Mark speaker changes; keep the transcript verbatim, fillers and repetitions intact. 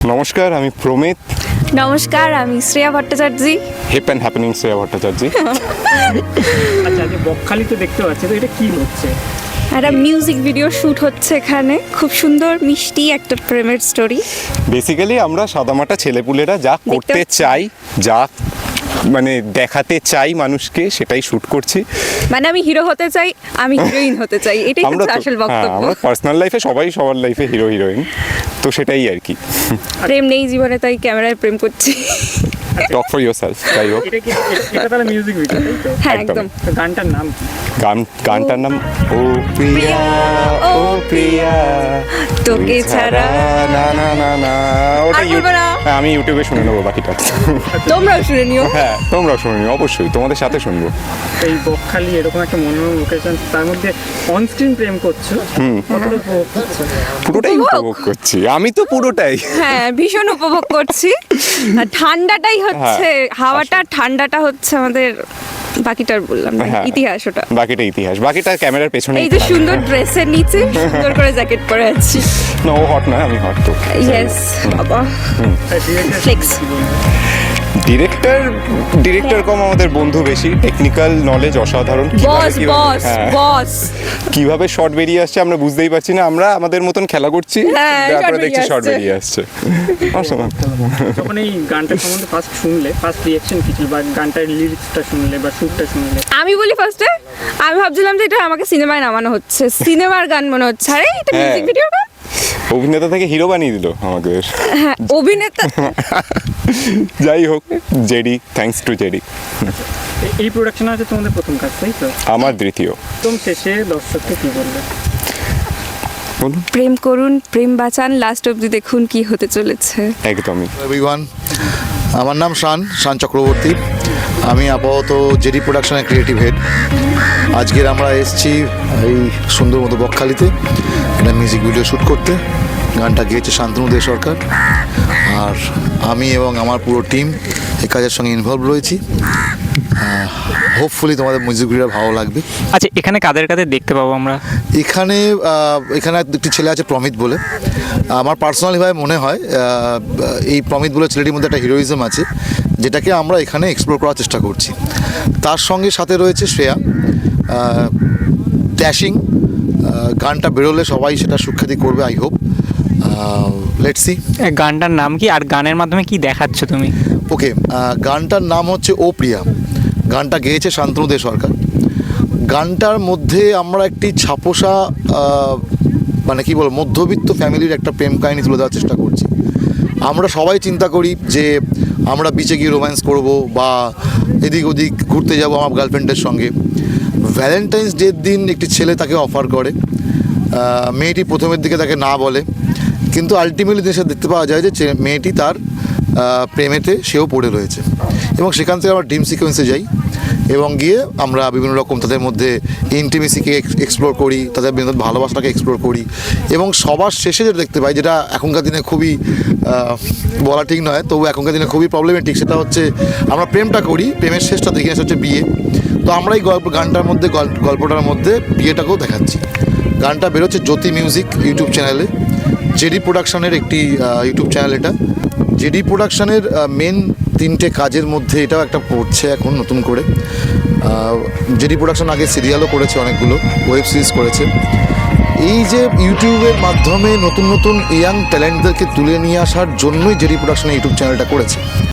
Speaker 1: নমস্কার, আমি প্রমিত।
Speaker 2: নমস্কার, আমি Shreya Bhattacharya.
Speaker 1: Hip and happening Shreya Bhattacharya.
Speaker 3: আচ্ছা, আজ বকখালিতে দেখতে পাচ্ছি, তো এটা কি হচ্ছে?
Speaker 2: একটা মিউজিক ভিডিও শ্যুট হচ্ছে এখানে, খুব সুন্দর মিষ্টি একটা প্রেমের স্টোরি।
Speaker 1: বেসিক্যালি আমরা সাদামাটা ছেলেপুলেরা যা করতে
Speaker 2: পাচ্ছি।
Speaker 1: চাই, যা মানে দেখাতে চাই মানুষকে, সেটাই শ্যুট করছি।
Speaker 2: মানে আমি হিরো হতে চাই, আমি হিরোইন হতে চাই, এটাই
Speaker 1: আমরা
Speaker 2: হচ্ছে
Speaker 1: তো-
Speaker 2: আসল
Speaker 1: হ্যাঁ,
Speaker 2: বক্তব্য।
Speaker 1: আমরা পার্সোনাল লাইফে সবাই সবার লাইফে হিরো হিরোইন, তো সেটাই আর কি।
Speaker 2: প্রেম নেই জীবনে, তাই ক্যামেরায় প্রেম করছি।
Speaker 1: টক ফর ইয়োর সেলফ, যাই হোক।
Speaker 3: এটা কি এটা- এটা তাহলে মিউজিক ভিডিও, তাই তো?
Speaker 2: হ্যাঁ,
Speaker 1: একদম।
Speaker 2: একদম।
Speaker 3: তো গানটার নাম কি?
Speaker 1: গান গানটার নাম ও প্রিয়া ও প্রিয়া
Speaker 2: তোকে ছাড়া।
Speaker 1: না না না না ওটা
Speaker 2: আর বলবো না।
Speaker 1: হ্যাঁ, আমি ইউটিউবে শুনে নেবো বাকিটা।
Speaker 2: তোমরাও শুনে নিও।
Speaker 1: হ্যাঁ, তোমরাও শুনে নিও, অবশ্যই তোমাদের সাথে শুনবো।
Speaker 3: এই বকখালি এরকম একটা মনোরম লোকেশন, তার মধ্যে অন স্ক্রিন প্রেম করছো, কতটা উপভোগ করছো?
Speaker 1: পুরোটাই
Speaker 2: উপভোগ?
Speaker 1: উপভোগ করছি, আমি তো পুরোটাই।
Speaker 2: হ্যাঁ, ভীষণ উপভোগ করছি। আর ঠান্ডাটাই হচ্ছে, হাওয়াটা ঠান্ডাটা হচ্ছে আমাদের, বাকিটার বললাম না,
Speaker 1: হ্যাঁ।
Speaker 2: ইতিহাস ওটা।
Speaker 1: বাকিটা ইতিহাস, বাকিটা ক্যামেরার পেছনে।
Speaker 2: এই যে সুন্দর ড্রেসের নিচে সুন্দর করে জ্যাকেট পরে আছি।
Speaker 1: না, ও হট নয়, আমি হট তো।
Speaker 2: ইয়েস বাবা,
Speaker 3: আর director
Speaker 2: Flex.
Speaker 3: কি বলবো?
Speaker 1: ডিরেক্টর ডিরেক্টর কম আমাদের বন্ধু বেশি, টেকনিক্যাল নলেজ অসাধারণ। কিভাবে-
Speaker 2: বস
Speaker 1: কিভাবে-
Speaker 2: বস
Speaker 1: হ্যাঁ,
Speaker 2: বস।
Speaker 1: কিভাবে শর্ট বেরিয়ে আসছে আমরা বুঝতেই পারছি না, আমরা আমাদের মতন খেলা করছি,
Speaker 2: হ্যাঁ,
Speaker 1: তারপরে
Speaker 2: shot
Speaker 1: দেখছি
Speaker 2: বেরিয়ে
Speaker 1: শর্ট
Speaker 2: আসছে।
Speaker 1: বেরিয়ে আসছে। অসাধারণ।
Speaker 3: যখন এই গানটা সম্বন্ধে ফার্স্ট শুনলে, ফার্স্ট রিয়াকশন কি ছিল, বা গানটার লিরিক্সটা শুনলে বা সুরটা শুনলে?
Speaker 2: আমি বলি ফার্স্টে, আমি ভাবছিলাম যে এটা আমাকে সিনেমায় নামানো হচ্ছে, সিনেমার গান মনে হচ্ছে, আরে এটা
Speaker 1: হ্যাঁ।
Speaker 2: মিউজিক ভিডিও গান।
Speaker 1: অভিনেতা থেকে হিরো বানিয়ে দিল আমাদের।
Speaker 2: হ্যাঁ, অভিনেতা।
Speaker 1: যাই হোক, জেডি, থ্যাঙ্কস টু জেডি।
Speaker 3: এ- এই প্রোডাকশন আছে তোমাদের প্রথম কাজ, তাই তো?
Speaker 1: আমার দ্বিতীয়।
Speaker 3: একদম শেষে দর্শককে কি বললে?
Speaker 1: বলুন।
Speaker 2: প্রেম করুন, প্রেম বাঁচান, লাস্ট অবধি দেখুন কি হতে চলেছে।
Speaker 1: একদমই।
Speaker 4: এভরিওয়ান, আমার নাম শান শান চক্রবর্তী। আমি আপাতত জেডি প্রোডাকশনের ক্রিয়েটিভ হেড। আজকের আমরা এসেছি এই সুন্দর মতো বকখালিতে একটা মিউজিক ভিডিও শ্যুট করতে। গানটা গেয়েছে শান্তনু দে সরকার, আর আমি এবং আমার পুরো টিম এই কাজের সঙ্গে ইনভলভ রয়েছি। হোপফুলি তোমাদের মিউজিক ভিডিও ভালো লাগবে।
Speaker 5: আচ্ছা, এখানে কাদের কাদের দেখতে পাবো আমরা?
Speaker 4: এখানে আহ, এখানে একটি ছেলে আছে প্রমিত বলে। আমার পার্সোনালিভাবে মনে হয় আহ, এই প্রমিত বলে ছেলেটির মধ্যে একটা হিরোইজম আছে, যেটাকে আমরা এখানে এক্সপ্লোর করার চেষ্টা করছি। তার সঙ্গে সাথে রয়েছে শ্রেয়া, ড্যাশিং। গানটা বেরোলে সবাই সেটা সুখ্যাতি করবে, আই হোপ। Let's see.
Speaker 5: এ, গানটার নাম কি আর গানের মাধ্যমে কি দেখাচ্ছ তুমি?
Speaker 4: ওকে, গানটার নাম হচ্ছে ও প্রিয়া। গানটা গেয়েছে শান্তনু দে সরকার। গানটার মধ্যে আমরা একটি ছাপোষা আহ, মানে কি বলবো, মধ্যবিত্ত ফ্যামিলির একটা প্রেম কাহিনী তুলে দেওয়ার চেষ্টা করছি। আমরা সবাই চিন্তা করি যে আমরা বিচে গিয়ে রোম্যান্স করব বা এদিক ওদিক ঘুরতে যাব আমার গার্লফ্রেন্ডের সঙ্গে। ভ্যালেন্টাইন্স ডের দিন একটি ছেলে তাকে অফার করে, আহ, মেয়েটি প্রথমের দিকে তাকে না বলে, কিন্তু আলটিমেটলি দেশে দেখতে পাওয়া যায় যে চে- মেয়েটি তার আহ, প্রেমেতে সেও পড়ে রয়েছে, এবং সেখান থেকে আমরা ড্রিম সিকোয়েন্সে যাই এবং গিয়ে আমরা বিভিন্ন রকম তাদের মধ্যে ইন্টিমেসিকে এক্সপ্লোর করি, তাদের বিভিন্ন ভালোবাসাটাকে এক্সপ্লোর করি, এবং সবার শেষে যেটা দেখতে পাই, যেটা এখনকার দিনে খুবই আহ, বলা ঠিক নয়, তবু এখনকার দিনে খুবই প্রবলেমেটিক, সেটা হচ্ছে আমরা প্রেমটা করি, প্রেমের শেষটা দেখি সেটা হচ্ছে বিয়ে। তো আমরা এই গল্প গানটার মধ্যে গল্প- গল্পটার মধ্যে বিয়েটাকেও দেখাচ্ছি। গানটা বেরোচ্ছে জ্যোতি মিউজিক ইউটিউব চ্যানেলে। জেডি প্রোডাকশনের একটি ইউটিউব চ্যানেল এটা। জেডি প্রোডাকশনের মেন তিনটে কাজের মধ্যে এটাও একটা পড়ছে এখন নতুন করে। জেডি প্রোডাকশন আগে সিরিয়ালও করেছে, অনেকগুলো ওয়েব সিরিজ করেছে। এই যে ইউটিউবের মাধ্যমে নতুন নতুন ইয়াং ট্যালেন্টদেরকে তুলে নিয়ে আসার জন্যই জেডি প্রোডাকশনের ইউটিউব চ্যানেলটা করেছে।